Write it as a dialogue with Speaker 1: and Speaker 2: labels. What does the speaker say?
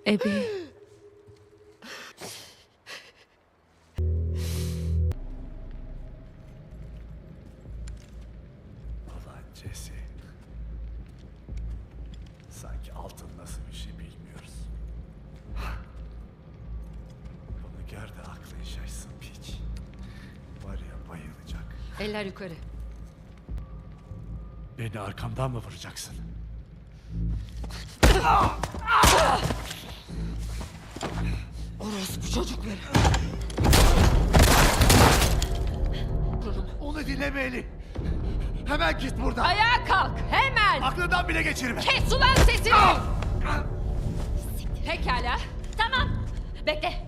Speaker 1: Ebi.
Speaker 2: Ulan Jesse. Sanki altın nasıl bir şey bilmiyoruz. Bunu gör de aklın şaşsın piç. Var ya bayılacak.
Speaker 3: Eller yukarı.
Speaker 2: Beni arkamdan mı vuracaksın?
Speaker 3: Orospu çocukları.
Speaker 2: Onu dinleme Eli. Hemen git buradan.
Speaker 3: Ayağa kalk hemen.
Speaker 2: Aklından bile geçirme.
Speaker 3: Kes ulan sesini. Pekala. Tamam. Bekle.